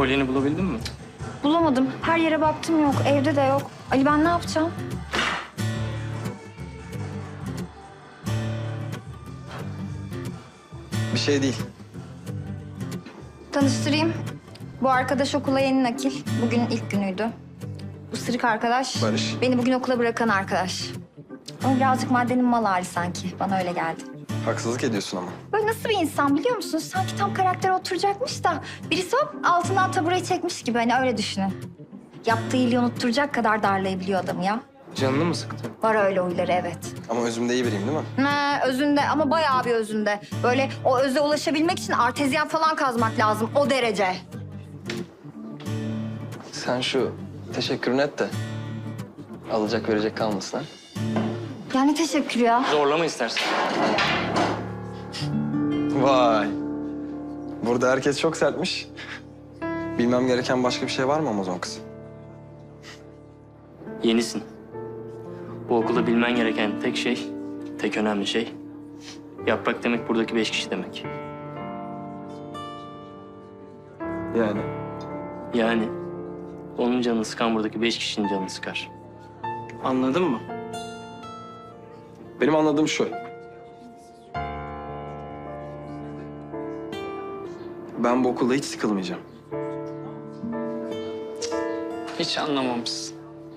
Kolyeni bulabildin mi? Bulamadım. Her yere baktım yok. Evde de yok. Ali ben ne yapacağım? Bir şey değil. Tanıştırayım. Bu arkadaş okula yeni nakil. Bugün ilk günüydü. Bu sırık arkadaş. Barış. Beni bugün okula bırakan arkadaş. Ama birazcık maddenin mal hali sanki. Bana öyle geldi. Haksızlık ediyorsun ama. Böyle nasıl bir insan biliyor musunuz? Sanki tam karaktere oturacakmış da birisi hop altından tabureyi çekmiş gibi. Hani öyle düşünün. Yaptığı iyiliği unutturacak kadar darlayabiliyor adamı ya. Canını mı sıktı? Var öyle huyları evet. Ama özümde iyi biriyim değil mi? Özünde ama bayağı bir özünde. Böyle o öze ulaşabilmek için artezyen falan kazmak lazım. O derece. Sen şu teşekkürünü et de alacak verecek kalmasın ha. Yani teşekkür ya. Zorlama istersen. Vay. Burada herkes çok sertmiş. Bilmem gereken başka bir şey var mı Amazon kız? Yenisin. Bu okulda bilmen gereken tek şey, tek önemli şey... Yaprak demek buradaki 5 kişi demek. Yani. Yani onun canını sıkan buradaki 5 kişinin canını sıkar. Anladın mı? Benim anladığım şu. Ben bu okulda hiç sıkılmayacağım. Hiç anlamamışsın.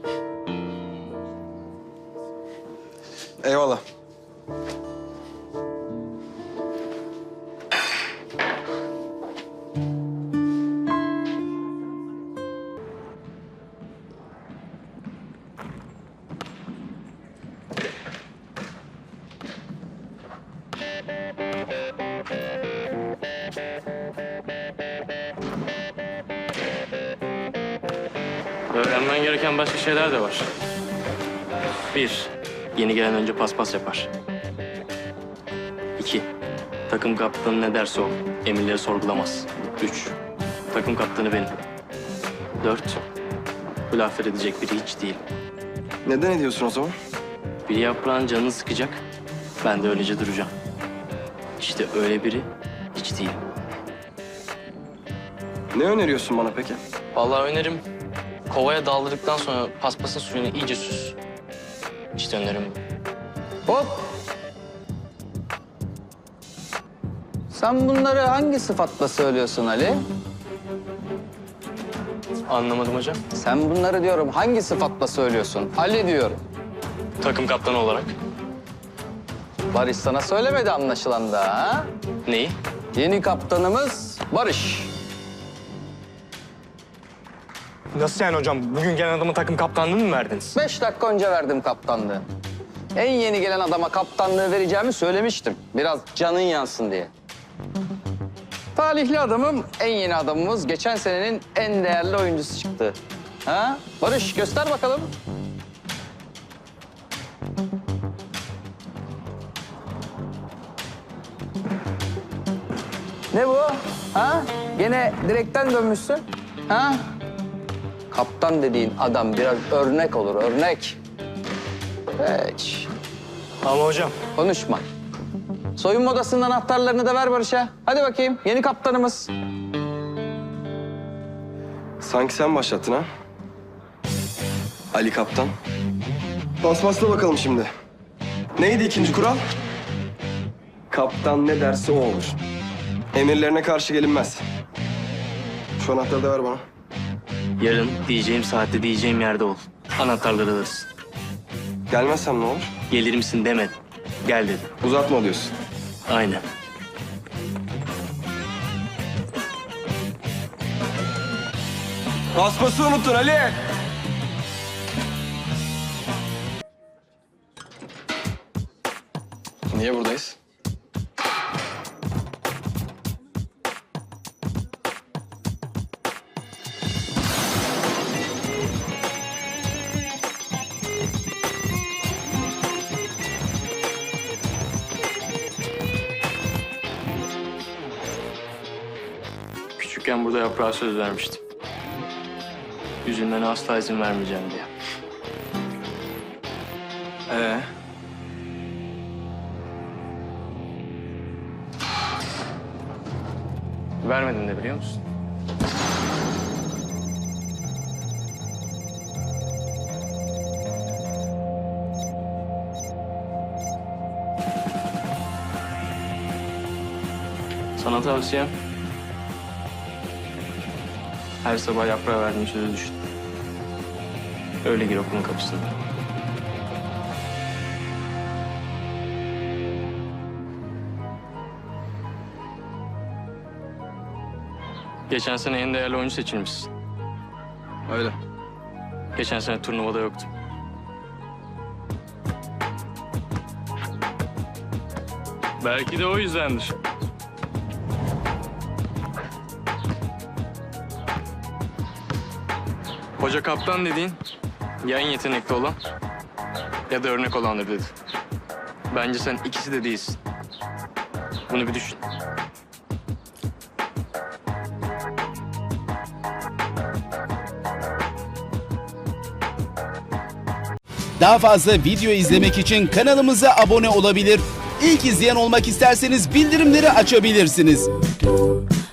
Eyvallah. Öğrenmen gereken başka şeyler de var. 1. Yeni gelen önce paspas yapar. 2. Takım kaptanı ne derse o. Emirleri sorgulamaz. 3. Takım kaptanı benim. 4. Bu laflar edecek biri hiç değil. Neden ediyorsun o zaman? Biri yaprağın canını sıkacak. Ben de öylece duracağım. İşte öyle biri hiç değil. Ne öneriyorsun bana peki? Vallahi önerim kovaya daldırdıktan sonra paspasın suyunu iyice süz. İşte önerim bu. Hop! Sen bunları hangi sıfatla söylüyorsun Ali? Anlamadım hocam. Sen bunları diyorum hangi sıfatla söylüyorsun? Ali diyorum. Takım kaptanı olarak. Barış sana söylemedi anlaşılan da ha? Neyi? Yeni kaptanımız Barış. Nasıl yani hocam? Bugün gelen adamın takım kaptanlığını mı verdiniz? 5 dakika önce verdim kaptanlığı. En yeni gelen adama kaptanlığı vereceğimi söylemiştim. Biraz canın yansın diye. Talihli adamım, en yeni adamımız geçen senenin en değerli oyuncusu çıktı. Ha? Barış göster bakalım. Ne bu? Ha? Gene direkten dönmüşsün. Ha? Kaptan dediğin adam biraz örnek olur, örnek. Hiç. Ama hocam. Konuşma. Soyunma odasının anahtarlarını da ver Barış'a. Hadi bakayım, yeni kaptanımız. Sanki sen başlattın ha? Ali Kaptan. Paspasla bakalım şimdi. Neydi ikinci kural? Kaptan ne derse o olur. Emirlerine karşı gelinmez. Şu anahtarı da ver bana. Yarın diyeceğim saatte diyeceğim yerde ol. Anahtarları alırsın. Gelmezsem ne olur? Gelir misin demedim. Gel dedim. Uzatma diyorsun. Aynen. Paspası unuttun Ali. Niye buradayız? Küçükken burada yaprağa söz vermiştim. Üzülmene asla izin vermeyeceğim diye. Vermedin de biliyor musun? tavsiyem... her sabah yaprağa verdiğin sözü düşün. Öyle gir okulun kapısına. Geçen sene en değerli oyuncu seçilmişsin. Öyle. Geçen sene turnuvada yoktum. Belki de o yüzdendir. Hoca kaptan dediğin ya en yetenekli olan ya da örnek olandır dedi. Bence sen ikisi de değilsin. Bunu bir düşün. Daha fazla video izlemek için kanalımıza abone olabilir. İlk izleyen olmak isterseniz bildirimleri açabilirsiniz.